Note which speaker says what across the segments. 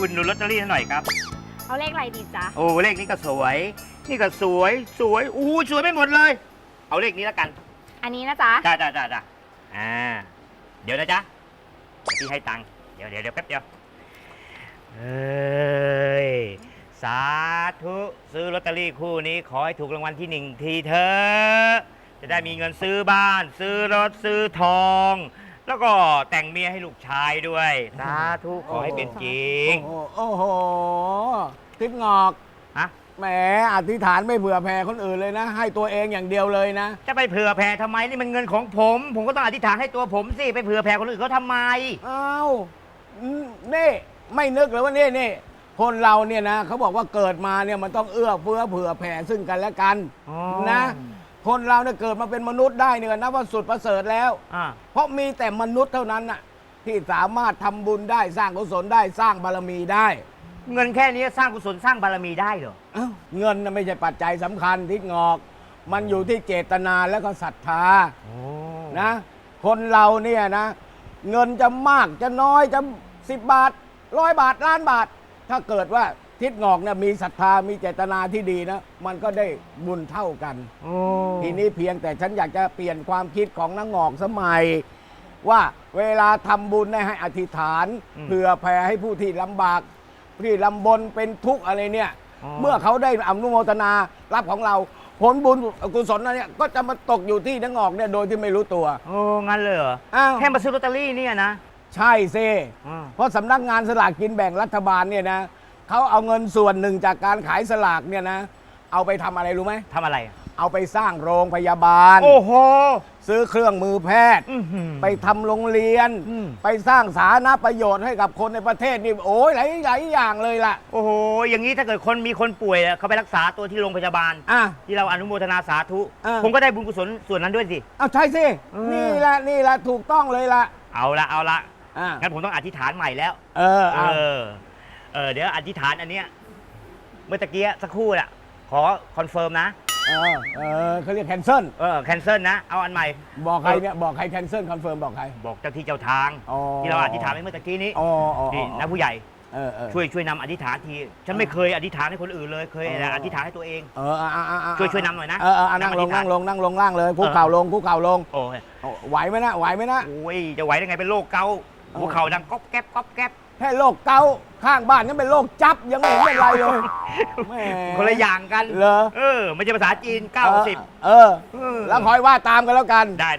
Speaker 1: อุดหนุนลอตเตอรี่หน่อยครับ
Speaker 2: เอาเลขอะไรดีจ๊ะ
Speaker 1: โอ้เลขนี้ก็สวยนี่ก็สวยอู้สวยไม่หมดเลย เอาเลขนี้แล้วกัน
Speaker 2: อันนี้นะจ๊ะ
Speaker 1: จ้าเดี๋ยวนะจ๊ะพี่ให้ตังค์เดี๋ยวแป๊บเดียวเฮ้ยสาธุซื้อลอตเตอรี่คู่นี้ขอให้ถูกรางวัลที่1ทีเถอะจะได้มีเงินซื้อบ้านซื้อรถซื้อทองแล้วก็แต่งเมียให้ลูกชายด้วยสาธุขอให้เป็นจริง
Speaker 3: โอ้โหทิศงอก
Speaker 1: ฮะ
Speaker 3: แหมอธิษฐานไม่เผื่อแผ่คนอื่นเลยนะให้ตัวเองอย่างเดียวเลยนะ
Speaker 1: จะไปเผื่อแผ่ทำไมนี่มันเงินของผมก็ต้องอธิษฐานให้ตัวผมสิไปเผื่อแผ่คนอื่นเขาทำไม
Speaker 3: อ้าวนี่ไม่นึกเลยว่านี่คนเราเนี่ยนะเขาบอกว่าเกิดมาเนี่ยมันต้องเอื้อเฟื้อเผื่อแผ่ซึ่งกันและกันนะคนเราเนี่ยเกิดมาเป็นมนุษย์ได้เนี่ยนับว่าสุดประเสริฐแล้วเพราะมีแต่มนุษย์เท่านั้นน่ะที่สามารถทำบุญได้สร้างกุศลได้สร้างบารมีได้
Speaker 1: เงินแค่นี้สร้างกุศลสร้างบารมีได้เหรอ
Speaker 3: เงินน่ะไม่ใช่ปัจจัยสำคัญทิศงอกมันอยู่ที่เจตนาแล้วก็ศรัทธานะคนเราเนี่ยนะเงินจะมากจะน้อยจะ10 บาท100 บาทล้านบาทถ้าเกิดว่าทิศงอกเนี่ยมีศรัทธามีเจตนาที่ดีนะมันก็ได้บุญเท่ากันทีนี้เพียงแต่ฉันอยากจะเปลี่ยนความคิดของนางงอกสมัยว่าเวลาทำบุญให้อธิษฐานเพื่อแผ่ให้ผู้ที่ลำบากที่ลำบนเป็นทุกข์อะไรเนี่ยเมื่อเขาได้อนุโมทนารับของเราผลบุญกุศลนั้นเนี่ยก็จะมาตกอยู่ที่นางงอกเนี่ยโดยที่ไม่รู้ตัว
Speaker 1: โอ้งั้นเลยเหรอแค่มาซื้อลอตเตอรี่เนี่ยนะ
Speaker 3: ใช่สิเพราะสำนักงานสลากกินแบ่งรัฐบาลเนี่ยนะเขาเอาเงินส่วนหนึ่งจากการขายสลากเนี่ยนะเอาไปทำอะไรรู้ไหม
Speaker 1: ทำอะไร
Speaker 3: เอาไปสร้างโรงพยาบาล
Speaker 1: โอ้โห
Speaker 3: ซื้อเครื่องมือแพทย์ไปทำโรงเรียนไปสร้างสาธารณประโยชน์ให้กับคนในประเทศนี่โอ้ยหลายอย่างเลยล่ะ
Speaker 1: โอ้โหอย่างนี้ถ้าเกิดมีคนป่วยเขาไปรักษาตัวที่โรงพยาบาลที่เราอนุโมทนาสาธุผมก็ได้บุญกุศลส่วนนั้นด้วยสิ
Speaker 3: เอาใช่สินี่แหละถูกต้องเลยล่ะ
Speaker 1: เอาละงั้นผมต้องอธิษฐานใหม่แล้วเดี๋ยวอธิษฐานอันเนี้ยเมื่อตะกี้สักครู่น่ะขอคอนเฟิร์มนะ
Speaker 3: เขาเรียกแคนเซิล
Speaker 1: แคนเซิลนะเอาอันใหม่
Speaker 3: บอกใครเนี่ยบอกใครแคนเซิลคอนเฟิร์มบอกใคร
Speaker 1: บอกเจ้าที่เจ้าทางที่เราอธิษฐานไปเมื่อตะกี้นี้นี่นะผู้ใหญ่ช่วยนำอธิษฐานทีฉันไม่เคยอธิษฐานให้คนอื่นเลยเคยแต่อธิษฐานให้ตัวเองช่วยนำหน่อยนะ
Speaker 3: นั่งลงล่างเลยคุกเข่าลงไหวไหมนะ
Speaker 1: โอ้ยจะไหวได้ไงเป็นโรคเกาต์หัวเข่าดังก๊อบแก๊บ
Speaker 3: แค่โรคเกาต์ข้างบ้านนั่นเป็นโรคจับยังไม่เห็นเป็นไรเลย
Speaker 1: คนละอย่างกัน
Speaker 3: เหรอ
Speaker 1: ไม่ใช่ภาษาจีน90
Speaker 3: แล้วคอยว่าตามกันแล้วกัน
Speaker 1: ได้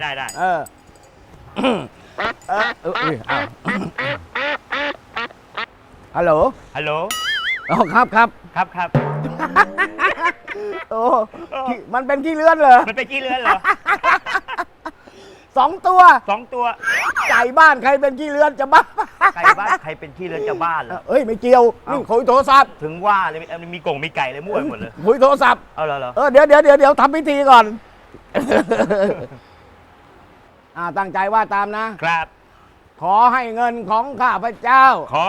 Speaker 3: ฮัลโหลอ๋อครับโอ้มันเป็นขี้เลื่อนเหรอ
Speaker 1: มันเป็นขี้เลื่อนเหรอ
Speaker 3: 2 ตัวไก่บ้านใครเป็นขี้เลื่อนจะบ้า
Speaker 1: ไก่บ้านใครเป็นขี้เลื่อนจะบ้าเหรอ
Speaker 3: ไม่เกี่ยวนี่คุยโทรศัพท์
Speaker 1: ถึงว่าเลยมีกงมีไก่เลยมั่วหมดเลย
Speaker 3: คุยโทรศัพท์
Speaker 1: เอาเหรอ
Speaker 3: เดี๋ยวทำพิธีก่อนตั้งใจว่าตามนะครับขอให้เงินของข้าพเจ้า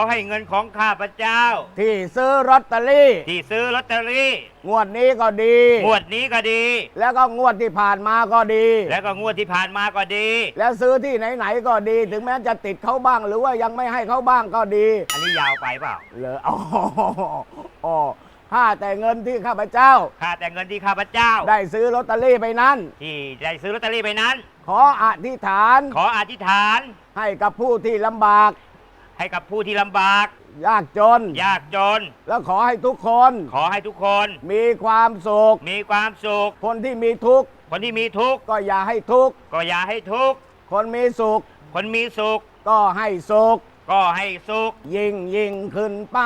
Speaker 3: ที่ซื้อลอตเตอรี่งวดนี้ก็ดีแล้วก็งวดที่ผ่านมาก็ดีแล้วซื้อที่ไหนๆก็ดีถึงแม้จะติดเขาบ้างหรือว่ายังไม่ให้เขาบ้างก็ดี
Speaker 1: อันนี้ยาวไปเปล่า
Speaker 3: เหรอข้าแต่เงินที่ข้าพเจ้าได้ซื้อลอตเตอรี่ไปนั้นขออธิษฐานให้กับผู้ที่ลำบากยากจนแล้วขอให้ทุกคนมีความสุขคนที่มีทุกข์ก็อย่าให้ทุกข์คนมีสุขก็ให้สุขยิ่งขึ้นไป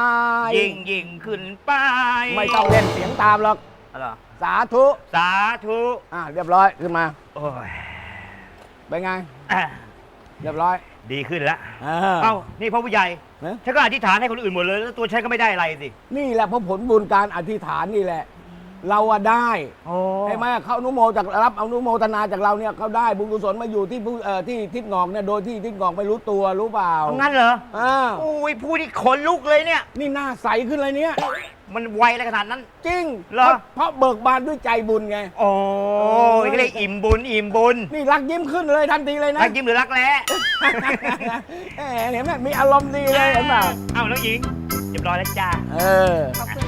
Speaker 3: ไม่ต้องเล่นเสียงตามหรอกสาธุเรียบร้อยขึ้นมาเป็นไงเรียบร้อย
Speaker 1: ดีขึ้นแล้วนี่พ่อผู้ใหญ่ฉันก็อธิษฐานให้คนอื่นหมดเลยแล้วตัวฉันก็ไม่ได้อะไรสิ
Speaker 3: นี่แหละเพราะผลบุญการอธิษฐานนี่แหละเราได้ใช่ไหมเขาอนุโมทนาจากเราเนี่ยเขาได้บุญกุศลมาอยู่ที่ที่ทิศงอกเนี่ยโดยที่ทิศงอกไม่รู้ตัวรู้เปล่า
Speaker 1: งั้นเหรอโอ้ยพูดที่ขนลุกเลยเนี่ย
Speaker 3: นี่หน้าใสขึ้นเลยเนี่ย
Speaker 1: มันไวอะไรขนาดนั้น
Speaker 3: จริงเหรอเพราะเบิกบานด้วยใจบุญไง
Speaker 1: โอ้ยก็เลยอิ่มบุญ
Speaker 3: นี่รักยิ้มขึ้นเลยทันทีเลยนะ
Speaker 1: รักยิ้มหรือรักแร้
Speaker 3: เห็นไหมมีอารมณ์ดีเลยเห็นเปล่า
Speaker 1: น้องหญิงเรียบร้อยแล้วจ้า
Speaker 3: เออ
Speaker 2: ขอบคุณ